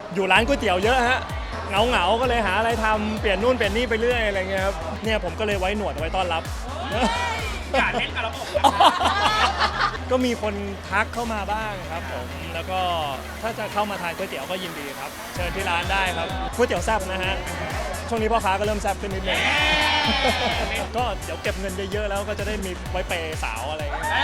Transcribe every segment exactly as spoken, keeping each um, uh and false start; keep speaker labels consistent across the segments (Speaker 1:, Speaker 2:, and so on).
Speaker 1: อยู่ร้านก๋วยเตี๋ยวเยอะฮะเหงาเหงาก็เลยหาอะไรทำเปลี่ยนนู่นเปลี่ยนนี่ไปเรื่อยอะไรเงี้ยครับเนี่ยผมก็เลยไว้หนวดไว้ต้อนรับ
Speaker 2: อย่าเล่นกับระบบ
Speaker 1: ก็มีคนทักเข้ามาบ้างครับผมแล้วก็ถ้าจะเข้ามาทานก๋วยเตี๋ยวก็ยินดีครับเชิญที่ร้านได้ครับก๋วยเตี๋ยวแซ่บนะฮะช่วงนี้พ่อค้าก็เริ่มแซ่บขึ้นนิดนึงก็เดี๋ยวเก็บเงินเยอะๆแล้วก็จะได้มีไว้เปย์สาวอะไรอย่างเงี้ย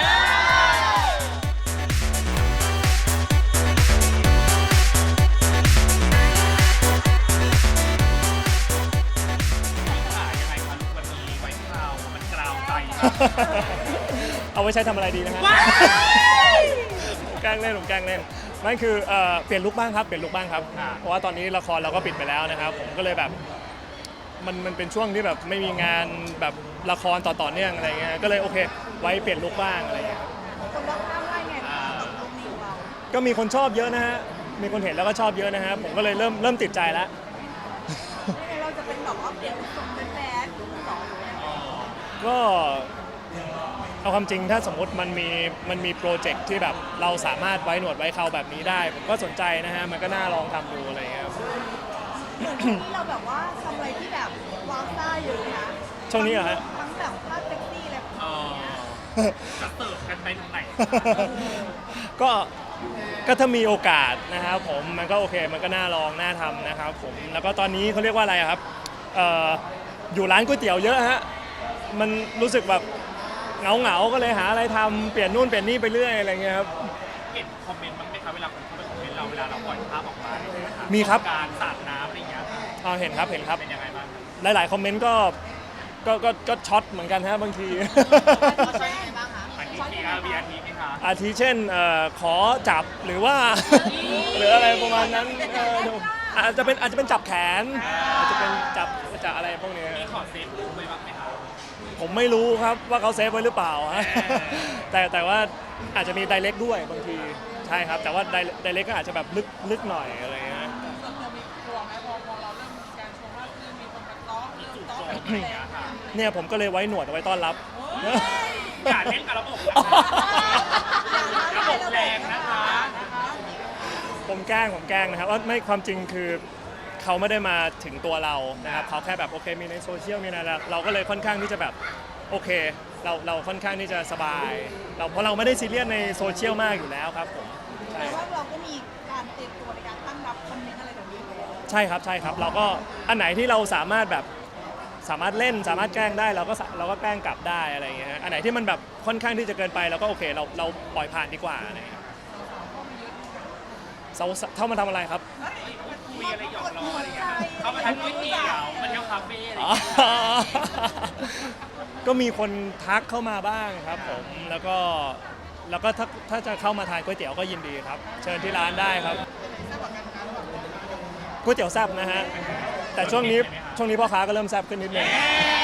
Speaker 1: เอาไว้ใช้ทำอะไรดีนะฮะผมแกล้งเล่นผมแกล้งเล่นนั่นคือเปลี่ยนลุคบ้างครับเปลี่ยนลุคบ้างครับเพราะว่าตอนนี้ละครเราก็ปิดไปแล้วนะครับผมก็เลยแบบมันมันเป็นช่วงที่แบบไม่มีงานแบบละครต่อต่อเนื่องอะไรเงี้ยก็เลยโอเคไว้เปลี่ยนลุคบ้างอะไรเงี้ย
Speaker 3: คนรอบข้างว่าไงบ้างกับลุคนี้ของเรา
Speaker 1: ก็มีคนชอบเยอะนะฮะมีคนเห็นแล้วก็ชอบเยอะนะฮะผมก็เลยเริ่มเริ่มติดใจแล้ว
Speaker 3: เราจะเป็นแบบว่าเปลี่ยนทรงเป็นแบดต่อ
Speaker 1: ก็เอาความจริงถ้าสมมติมันมีมันมีโปรเจกต์ที่แบบเราสามารถไว้หนวดไว้เคราแบบนี้ได้ผมก็สนใจนะฮะมันก็น่าลองทำดูอะไรเงี้ย
Speaker 3: ที่เราแบบว่าทำอะไรที่แบบว้าวซ่าอยู่นะ
Speaker 1: ช่วงนี้เหรอฮะ
Speaker 3: ทั้งแบบภาพเซ็กซี่อะไรแบบนี้
Speaker 2: จะเติบกันไปตรงไหน
Speaker 1: ก็ก็ถ้ามีโอกาสนะครับผมมันก็โอเคมันก็น่าลองน่าทำนะครับผมแล้วก็ตอนนี้เขาเรียกว่าอะไรครับเอ่ออยู่ร้านก๋วยเตี๋ยวเยอะฮะมันรู้สึกแบบเหงาเหงาก็เลยหาอะไรทำเปลี่ยนนู่นเปลี่ยนนี่ไปเรื่อยอะไรเงี้ยครับ
Speaker 2: เห็นคอมเมนต์บ้างไหมครับเวลาคนเข้าไปคอมเมนต์เราเวลาเราปล่อยภาพออกมา
Speaker 1: มีครับ
Speaker 2: การสาดน้ำอะไรเงี้ย
Speaker 1: อ๋อเห็นครับเห็นครับ
Speaker 2: เป็นยังไงบ้าง
Speaker 1: หลายๆคอมเมนต์ก็ก็ก็ก็ช็อตเหมือนกันฮะบางที
Speaker 3: ใช่บ้างคะ
Speaker 2: อันนี้ทีอาร์บีอาร์ทีไหมคะ
Speaker 1: อาทิเช่นขอจับหรือว่าหรืออะไรประมาณนั้นอาจจะเป็นอาจจะเป็นจับแขนอาจจะเป็นจับจับอะไรพวกนี้
Speaker 2: มีขอเซฟรูปไว้บ้างไหมครับ
Speaker 1: ผมไม่รู้ครับว่าเขาเซฟไว้หรือเปล่าแต่แต่ว่าอาจจะมีไดเรกด้วยบางทีใช่ครับแต่ว่าไดเรกก็อาจจะแบบลึกลึกหน่อยอะไรเงี้ยเนี่ยผมก็เลยไว้หนวดไว้ต้อนรับ
Speaker 2: อย่าเล่นกับระบบระบบแรงนะคะ
Speaker 1: ผมแกล้งผมแกล้งนะครับว่าไม่ความจริงคือเขาไม่ได้มาถึงตัวเรานะครับเขาแค่แบบโอเคมีในโซเชียลมีอะไรเราก็เลยค่อนข้างที่จะแบบโอเคเราเราค่อนข้างที่จะสบายเราเพราะเราไม่ได้ซีเรียสในโซเชียลมากอยู่แล้วครับผม
Speaker 3: ใช่ว่าเราก็มีการเตรียมตัวในการตั้งรับคอมเมนต์อะไรแบบนี้
Speaker 1: ใช่ครับใช่ครับเราก็อันไหนที่เราสามารถแบบสามารถเล่นสามารถแกล้งได้เราก็เราก็แกล้งกลับได้อะไรอย่างเงี้ยอันไหนที่มันแบบค่อนข้างที่จะเกินไปเราก็โอเคเราเราปล่อยผ่านดีกว่าอะไรอย่างเงี้ยเท่ามาทำอะไรครับ
Speaker 2: คุยอะไรหยอกล้ออะไรเงี้ยเขามาทานก๋วยเตี๋ยวมันเที่ยวคาเฟ่อะไร
Speaker 1: ก็มีคนทักเข้ามาบ้างครับผมแล้วก็แล้วก็ถ้าถ้าจะเข้ามาทานก๋วยเตี๋ยวก็ยินดีครับเชิญที่ร้านได้ครับก๋วยเตี๋ยวแซ่บนะฮะแต่ช่วงนี้ช่วงนี้พ่อค้าก็เริ่มแซ่บขึ้นนิดนึง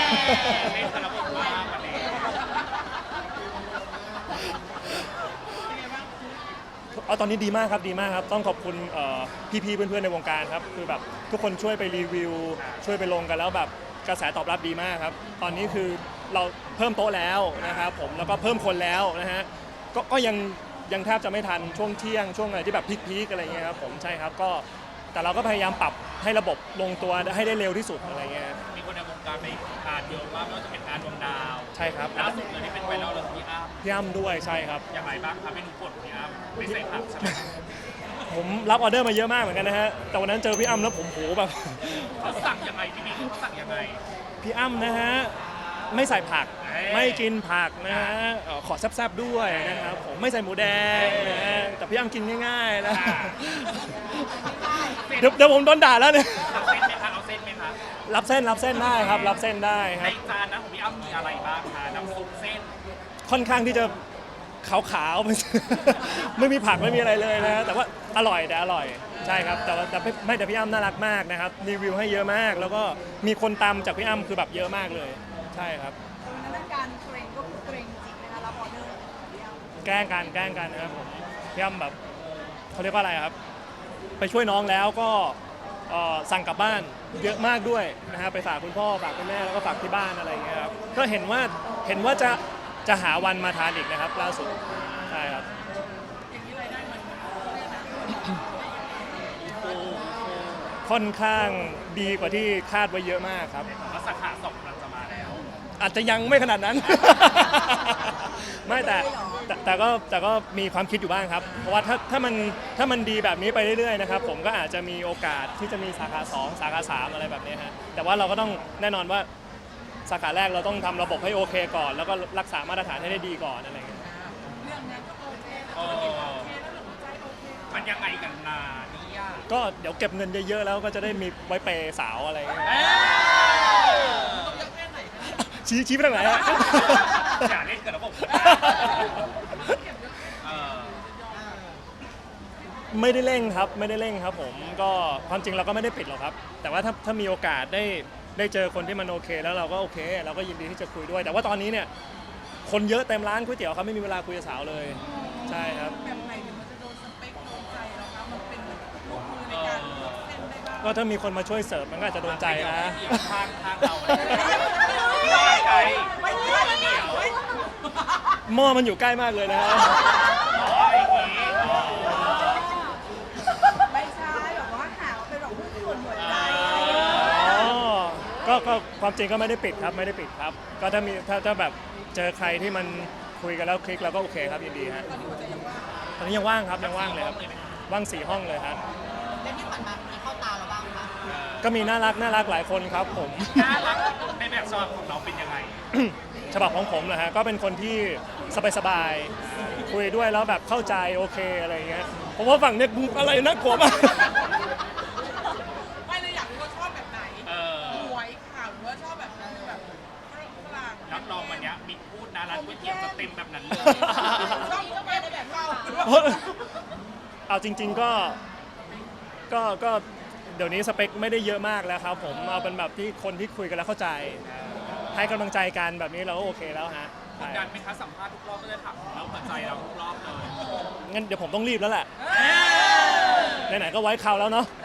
Speaker 1: เอาตอนนี้ดีมากครับดีมากครับต้องขอบคุณพี่ๆเพื่อนๆในวงการครับคือแบบทุกคนช่วยไปรีวิวช่วยไปลงกันแล้วแบบกระแสตอบรับดีมากครับตอนนี้คือเราเพิ่มโต๊ะแล้วนะครับผมแล้วก็เพิ่มคนแล้วนะฮะก็ก็ยังยังแทบจะไม่ทันช่วงเที่ยงช่วงอะไรที่แบบพีคๆอะไรเงี้ยครับผมใช่ครับก็แต่เราก็พยายามปรับให้ระบบลงตัวให้ได้เร็วที่สุดอะไรเงี้ย
Speaker 2: มีคนในวงการไปทานเยอะมากไม่ว่าจะเป็นการดวงดาว
Speaker 1: ใช่ครับ
Speaker 2: ล่าสุดเลยที่เป็นไวรัลเลยพี่อ้ำ
Speaker 1: พี่อ้ำด้วยใช่ครับ
Speaker 2: อย่างไรบ้างครับเมนูโปรดพี่อ้ำไม่ใส่ผักใช่ไหม
Speaker 1: ผมรับออเดอร์มาเยอะมากเหมือนกันนะฮะแต่วันนั้นเจอพี่อ้ำแล้วผมโหแบบ
Speaker 2: เขาสั่งยังไงพี่บิ๊กเขาสั่งยังไง
Speaker 1: พี่อ้ำนะฮะไม่ใส่ผักไม่กินผักนะฮะขอแซ่บๆด้วยนะครับผมไม่ใส่หมูแดงนะฮะแต่พี่อ้ำกินง่ายๆนะเดี๋ยวเดี๋ยวผมโดนด่าแล้วเนี่ย
Speaker 2: รับเส้นไหมคะเอาเส้นไหมคะ
Speaker 1: รับเส้นรับเส้นได้ครับรับเส้นได้ค
Speaker 2: รับในจานนะของพี่อ้ำมีอะไรบ้างคะน้ำซุปเส้น
Speaker 1: ค่อนข้างที่จะขาวๆไม่มีผักไม่มีอะไรเลยนะแต่ว่าอร่อยแต่อร่อยใช่ครับแต่ว่าแต่ไม่แต่พี่อ้ำน่ารักมากนะครับรีวิวให้เยอะมากแล้วก็มีคนตามจากพี่อ้ำคือแบบเยอะมากเลยใช่ครับ
Speaker 3: นั้นการเทรนก็คือเทรนจริงนะคะรับออเดอร์
Speaker 1: แกล้งกันแกล้งกันนะครับผมพี่อ้ำแบบเขาเรียกว่าอะไรครับไปช่วยน้องแล้วก็สั่งกลับบ้านเยอะมากด้วยนะฮะไปฝากคุณพ่อฝากคุณแม่แล้วก็ฝากที่บ้านอะไรอย่างเงี้ยครับก็เห็นว่าเห็นว่าจะจะหาวันมาทานอีกนะครับล่าสุดใช่ครับค่อนข้างดีกว่าที่คาดไว้เยอะมากครับ
Speaker 2: ผมว่าสาขาสองกำลังจะมาแล้ว
Speaker 1: อาจจะยังไม่ขนาดนั้น ไม่แต่แต่แต่ก็แต่ก็มีความคิดอยู่บ้างครับ เพราะว่าถ้าถ้ามันถ้ามันดีแบบนี้ไปเรื่อยๆนะครับผมก็อาจจะมีโอกาสที่จะมีสาขาสองสาขาสามอะไรแบบนี้ฮะแต่ว่าเราก็ต้องแน่นอนว่าสาขาแรกเราต้องทำระบบให้โอเคก่อน แล้วก็รักษามาตรฐานให้ได้ดีก่อนอะไรอย่างเงี้ย
Speaker 2: เออมันยังไงกันนาเนี่ย
Speaker 1: ก็เดี๋ยวเก็บเงินเยอะๆแล้วก็จะได้มีไว้เปย์สาวอะไรอย่างเงี้ย
Speaker 2: เอ้ย
Speaker 1: ชี้ชี้ไปทางไหนฮะ
Speaker 2: อย่าเล่นกับระบบเออ
Speaker 1: ไม่ได้เร่งครับไม่ได้เร่งครับผมก็ความจริงเราก็ไม่ได้ปิดหรอกครับ แต่ว่าถ้าถ้ามีโอกาสได้ได้เจอคนที่มันโอเค แล้วเราก็โอเค เราก็ยินดีที่จะคุยด้วย แต่ว่าตอนนี้เนี่ยคนเยอะเต็มร้านก๋วยเตี๋ยวครับไม่มีเวลาคุยกับสาวเลยใช่ครับ
Speaker 3: แบบไหนถึงมันจะโดนสเปคโดนใจเราคะมันเป็นลูกมือในการเลือกเส้นได้บ้าง
Speaker 1: ก็ถ้ามีคนมาช่วยเสิร์ฟมันก็อาจจะโดนใจนะ
Speaker 2: เดี๋ยวข้างข้างเราไม่ไกล
Speaker 3: ไม่ใช่
Speaker 2: เดี๋ยว
Speaker 1: หม้อมันอยู่ใกล้มากเลยนะครับ
Speaker 2: อ๋ออย่างนี้อ๋อ
Speaker 3: ไม่ใช่แบบว่าหาเป็นแบบผู้คนหัวใจ
Speaker 1: อ๋อก็ก็ความจริงก็ไม่ได้ปิดครับไม่ได้ปิดครับ ก็ถ้ามีถ้าถ้าแบบเจอใครที่มันคุยกันแล้วคลิกเราก็โอเคครับยินดีฮะตอนนี้ยังว่างครับยังว่างเลยครับว่างสี่ห้องเลยครับ
Speaker 3: แล้วที่ผ่านมามีเข้าตาเราบ้างไหม
Speaker 1: ก็มีน่ารักน่ารักหลายคนครับผม
Speaker 2: น่ารักในแบบฉบับของเราเป็นยังไง
Speaker 1: ฉบับของผมนะฮะก็เป็นคนที่สบายๆคุยด้วยแล้วแบบเข้าใจโอเคอะไรอย่างเงี้ยผมว่าฝั่งเนี้ยมึงอะไรน่ากลัวมาก
Speaker 3: ไม่เลยอยากรู้ว่าชอบแบบไหน
Speaker 2: เออ
Speaker 3: หวยข่าวหรือว่าชอบแบบแบบฝรั่ง
Speaker 2: รับรองวันเนี้ยมิกพูดนะร้านก๋วยเตี๋ยวจะเต็มแบบนั้นเลย
Speaker 3: ชอบก็ไปในแบบเรา
Speaker 1: เอาจริง ๆก็ก็ก็เดี๋ยวนี้สเปคไม่ได้เยอะมากแล้วครับผมเอาเป็นแบบที่คนที่คุยกันแล้วเข้าใจ ให้กำลังใจกันแบบนี้เราก็โอเคแล้วฮะ
Speaker 2: ก
Speaker 1: ใช่
Speaker 2: ดดันไหมคะสัมภาษณ์ทุกรอบก็จะถามแล้วหัวใจเราทุกรอบเลย
Speaker 1: งั้นเดี๋ยวผมต้องรีบแล้วแหละไหนๆก็ไว้คราวแล้วเนาะ
Speaker 2: เ